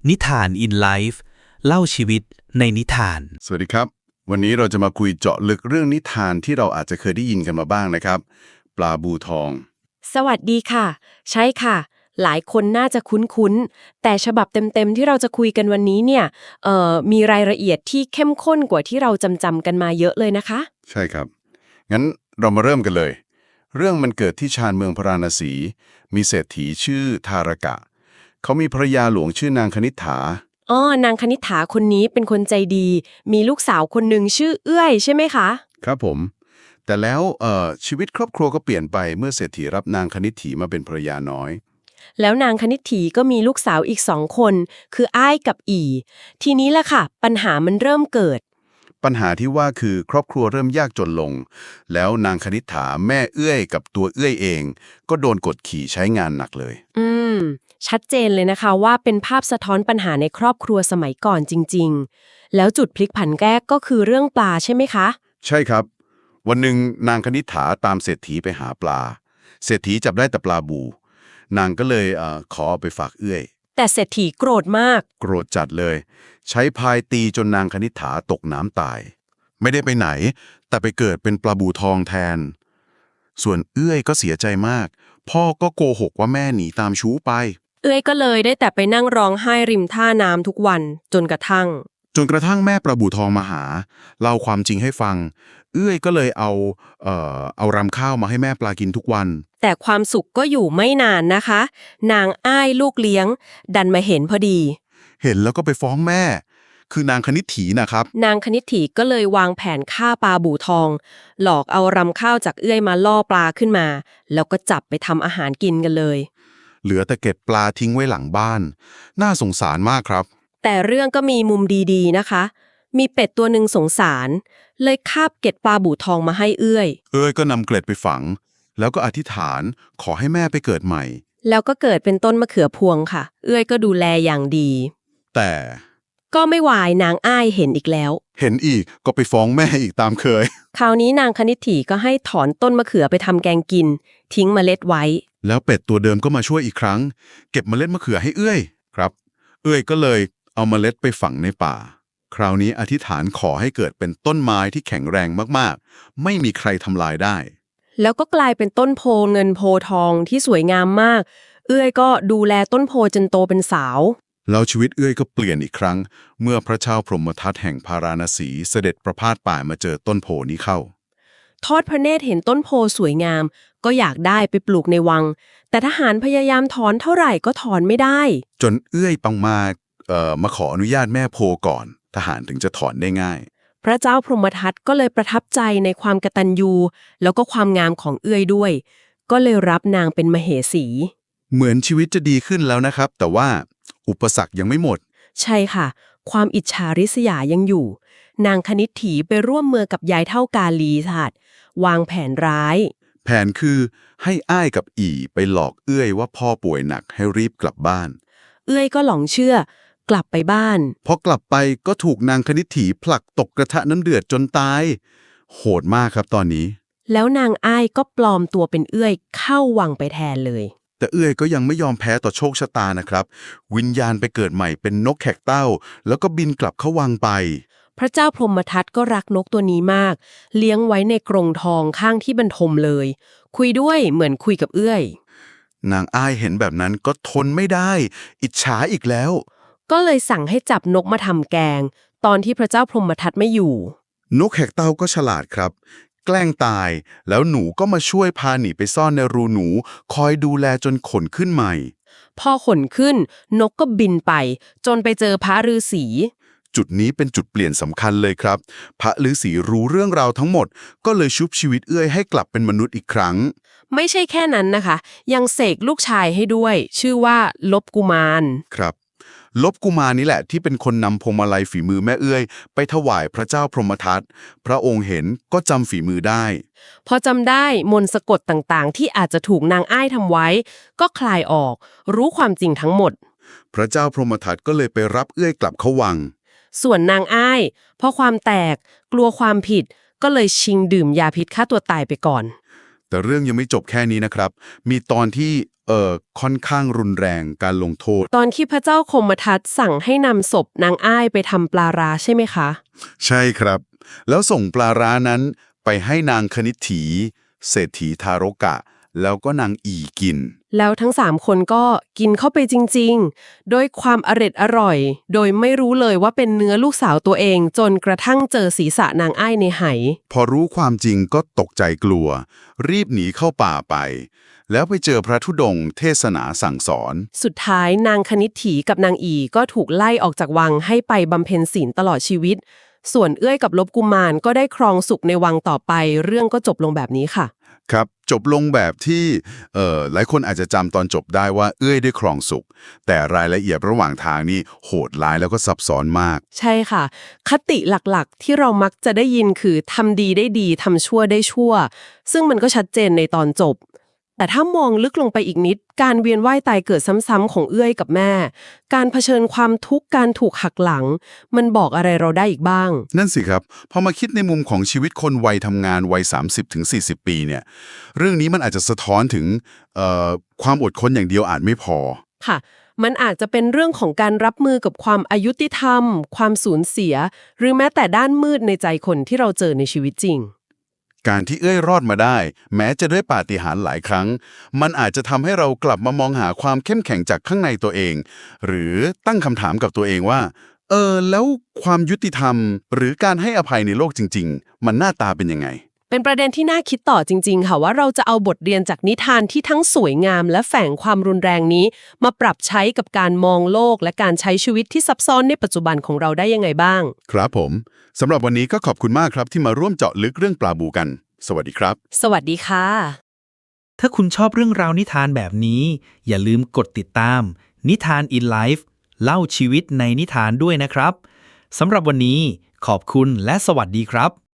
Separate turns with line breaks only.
นิทาน in life เล่าชีวิตในนิทาน
สวัสดีครับวันนี้เราจะมาคุยเจาะลึกเรื่องนิทานที่เราอาจจะเคยได้ยินกันมาบ้างนะครับปลาบูทอง
สวัสดีค่ะใช่ค่ะหลายคนน่าจะคุ้นๆแต่ฉบับเต็มๆที่เราจะคุยกันวันนี้เนี่ยมีรายละเอียดที่เข้มข้นกว่าที่เราจำกันมาเยอะเลยนะคะ
ใช่ครับงั้นเรามาเริ่มกันเลยเรื่องมันเกิดที่ชานเมืองพาราณสีมีเศรษฐีชื่อทารกะเขามีภรรยาหลวงชื่อนางคณิษฐา
นางคณิษฐาคนนี้เป็นคนใจดี มีลูกสาวคนหนึ่งชื่อเอื้อยใช่ไหมคะ
ครับผมแต่แล้วชีวิตครอบครัวก็เปลี่ยนไปเมื่อเศรษฐีรับนางคณิษฐีมาเป็นภรรยาน้อย
แล้วนางคณิษฐีก็มีลูกสาวอีก2 คน คืออ้ายกับอีทีนี้แหละค่ะปัญหามันเริ่มเกิด
ปัญหาที่ว่าคือครอบครัวเริ่มยากจนลงแล้วนางคณิษฐาแม่เอื้อยกับตัวเอื้อยเองก็โดนกดขี่ใช้งานหนักเลย
ชัดเจนเลยนะคะว่าเป็นภาพสะท้อนปัญหาในครอบครัวสมัยก่อนจริงๆแล้วจุดพลิกผันแรกก็คือเรื่องปลาใช่ไหมคะ
ใช่ครับวันหนึ่งนางคณิษฐาตามเศรษฐีไปหาปลาเศรษฐีจับได้แต่ปลาบูนางก็เลยขอเอาไปฝากเอื้อย
แต่เศรษฐีโกรธมาก
โกรธจัดเลยใช้พายตีจนนางคณิษฐาตกน้ำตายไม่ได้ไปไหนแต่ไปเกิดเป็นปลาบูทองแทนส่วนเอื้อยก็เสียใจมากพ่อก็โกหกว่าแม่หนีตามชู้ไป
เอ้ยก็เลยได้แต่ไปนั่งร้องไห้ริมท่าน้ำทุกวันจนกระทั่ง
แม่ปลาบูทองมาหาเล่าความจริงให้ฟังเอื้อยก็เลยเอารำข้าวมาให้แม่ปลากินทุกวัน
แต่ความสุขก็อยู่ไม่นานนะคะนางอ้ายลูกเลี้ยงดันมาเห็นพอดี
เห็นแล้วก็ไปฟ้องแม่คือนางคณิษฐีนะครับ
นางคณิษฐีก็เลยวางแผนฆ่าปลาบูทองหลอกเอารำข้าวจากเอื้อยมาล่อปลาขึ้นมาแล้วก็จับไปทำอาหารกินกันเลย
เหลือแต่เก็บปลาทิ้งไว้หลังบ้านน่าสงสารมากครับ
แต่เรื่องก็มีมุมดีๆนะคะมีเป็ดตัวหนึ่งสงสารเลยคาบเกล็ดปลาบูทองมาให้เอื้อย
ก็นำเกล็ดไปฝังแล้วก็อธิษฐานขอให้แม่ไปเกิดใหม่
แล้วก็เกิดเป็นต้นมะเขือพวงค่ะเอื้อยก็ดูแลอย่างดี
แต่
ก็ไม่วายนางอ้ายเห็นอีกแล้ว
เห็นอีกก็ไปฟ้องแม่อีกตามเคย
คราวนี้นางคณิษฐีก็ให้ถอนต้นมะเขือไปทำแกงกินทิ้งเมล็ดไว้
แล้วเป็ดตัวเดิมก็มาช่วยอีกครั้งเก็บเมล็ดมะเขือให้เอื้อยครับเอื้อยก็เลยเอาเมล็ดไปฝังในป่าคราวนี้อธิษฐานขอให้เกิดเป็นต้นไม้ที่แข็งแรงมากๆไม่มีใครทำลายได้
แล้วก็กลายเป็นต้นโพเงินโพทองที่สวยงามมากเอื้อยก็ดูแลต้นโพจนโตเป็นสาว
แล้วชีวิตเอื้อยก็เปลี่ยนอีกครั้งเมื่อพระเจ้าพรหมทัตแห่งพาราณสีเสด็จประพาสป่ามาเจอต้นโพนี้เข้า
ทอดพระเนตรเห็นต้นโพสวยงามก็อยากได้ไปปลูกในวังแต่ทหารพยายามถอนเท่าไหร่ก็ถอนไม่ได้
จนเอื้อยปังมาขออนุญาตแม่โพก่อนทหารถึงจะถอนได้ง่าย
พระเจ้าพรหมทัตก็เลยประทับใจในความกตัญญูแล้วก็ความงามของเอื้อยด้วยก็เลยรับนางเป็นมเหสี
เหมือนชีวิตจะดีขึ้นแล้วนะครับแต่ว่าอุปสรรคยังไม่หมด
ใช่ค่ะความอิจฉาริษยายังอยู่นางคณิษฐีไปร่วมมือกับยายเท่ากาลีศาสตร์วางแผนร้าย
แผนคือให้อ้ายกับอีไปหลอกเอื้อยว่าพ่อป่วยหนักให้รีบกลับบ้าน
เอื้อยก็หลงเชื่อกลับไปบ้าน
พอกลับไปก็ถูกนางคณิษฐีผลักตกกระทะน้ำเดือดจนตายโหดมากครับตอนนี้
แล้วนางอ้ายก็ปลอมตัวเป็นเอื้อยเข้าวังไปแทนเลย
แต่เอื้อยก็ยังไม่ยอมแพ้ต่อโชคชะตานะครับวิญญาณไปเกิดใหม่เป็นนกแขกเต้าแล้วก็บินกลับเข้าวังไป
พระเจ้าพรหมทัตก็รักนกตัวนี้มากเลี้ยงไว้ในกรงทองข้างที่บรรทมเลยคุยด้วยเหมือนคุยกับเอื้อย
นางอ้ายเห็นแบบนั้นก็ทนไม่ได้อิจฉาอีกแล้ว
ก็เลยสั่งให้จับนกมาทำแกงตอนที่พระเจ้าพรหมทัตไม่อยู่
นกแขกเต้าก็ฉลาดครับแกล้งตายแล้วหนูก็มาช่วยพาหนีไปซ่อนในรูหนูคอยดูแลจนขนขึ้นใหม่
พอขนขึ้นนกก็บินไปจนไปเจอพระฤาษี
จุดนี้เป็นจุดเปลี่ยนสำคัญเลยครับพระฤาษีรู้เรื่องราวทั้งหมดก็เลยชุบชีวิตเอื้อยให้กลับเป็นมนุษย์อีกครั้ง
ไม่ใช่แค่นั้นนะคะยังเสกลูกชายให้ด้วยชื่อว่าลบกุมาร
ครับลบกุมารนี่แหละที่เป็นคนนำพวงมาลัยฝีมือแม่เอื้อยไปถวายพระเจ้าพรหมทัตพระองค์เห็นก็จำฝีมือได้
พอจำได้มนต์สะกดต่างๆที่อาจจะถูกนางอ้ายทำไว้ก็คลายออกรู้ความจริงทั้งหมด
พระเจ้าพรหมทัตก็เลยไปรับเอื้อยกลับเข้าวัง
ส่วนนางอ้ายเพราะความแตกกลัวความผิดก็เลยชิงดื่มยาพิษฆ่าตัวตายไปก่อน
แต่เรื่องยังไม่จบแค่นี้นะครับ มีตอนที่ค่อนข้างรุนแรงการลงโทษ
ตอนที่พระเจ้าคมทัตสั่งให้นำศพนางอ้ายไปทำปลาร้าใช่ไหมคะ
ใช่ครับ แล้วส่งปลาร้านั้นไปให้นางคณิษฐี เศรษฐีทารกะ แล้วก็นางอีกิน
แล้วทั้ง3คนก็กินเข้าไปจริงๆ โดยความอร่อย โดยไม่รู้เลยว่าเป็นเนื้อลูกสาวตัวเองจนกระทั่งเจอศีรษะนางอ้ายในไห
พอรู้ความจริงก็ตกใจกลัว รีบหนีเข้าป่าไป แล้วไปเจอพระธุดงค์เทศนาสั่งสอน
สุดท้ายนางคณิษฐีกับนางอีก็ถูกไล่ออกจากวังให้ไปบำเพ็ญศีลตลอดชีวิต ส่วนเอื้อยกับลบกุมารก็ได้ครองสุขในวังต่อไป เรื่องก็จบลงแบบนี้ค่ะ
ครับจบลงแบบที่หลายคนอาจจะจำตอนจบได้ว่าเอื้อยได้ครองสุข แต่รายละเอียดระหว่างทางนี่โหดร้ายแล้วก็ซับซ้อนมาก
ใช่ค่ะ คติหลักๆ ที่เรามักจะได้ยินคือทำดีได้ดีทำชั่วได้ชั่ว ซึ่งมันก็ชัดเจนในตอนจบ แต่ถ้ามองลึกลงไปอีกนิด การเวียนว่ายตายเกิดซ้ำๆของเอื้อยกับแม่ การเผชิญความทุกข์การถูกหักหลัง มันบอกอะไรเราได้อีกบ้าง
นั่นสิครับพอมาคิดในมุมของชีวิตคนวัยทำงานวัย 30-40 ปีเนี่ยเรื่องนี้มันอาจจะสะท้อนถึงความอดทนอย่างเดียวอาจไม่พอ
ค่ะ มันอาจจะเป็นเรื่องของการรับมือกับความอายุติธรรม ความสูญเสีย หรือแม้แต่ด้านมืดในใจคนที่เราเจอในชีวิตจริง
การที่เอ้ยรอดมาได้ แม้จะด้วยปาฏิหาริย์หลายครั้ง มันอาจจะทำให้เรากลับมามองหาความเข้มแข็งจากข้างในตัวเอง หรือตั้งคำถามกับตัวเองว่าแล้วความยุติธรรม หรือการให้อภัยในโลกจริงๆ มันหน้าตาเป็นยังไง
เป็นประเด็นที่น่าคิดต่อจริงๆค่ะว่าเราจะเอาบทเรียนจากนิทานที่ทั้งสวยงามและแฝงความรุนแรงนี้ มาปรับใช้กับการมองโลกและการใช้ชีวิตที่ซับซ้อนในปัจจุบันของเราได้ยังไงบ้าง
ครับผมสำหรับวันนี้ก็ขอบคุณมากครับที่มาร่วมเจาะลึกเรื่องปลาบูกัน สวัสดีครับ
สวัสดีค่ะ
ถ้าคุณชอบเรื่องราวนิทานแบบนี้ อย่าลืมกดติดตาม นิทาน in Life เล่าชีวิตในนิทานด้วยนะครับ สำหรับวันนี้ขอบคุณและสวัสดีครับ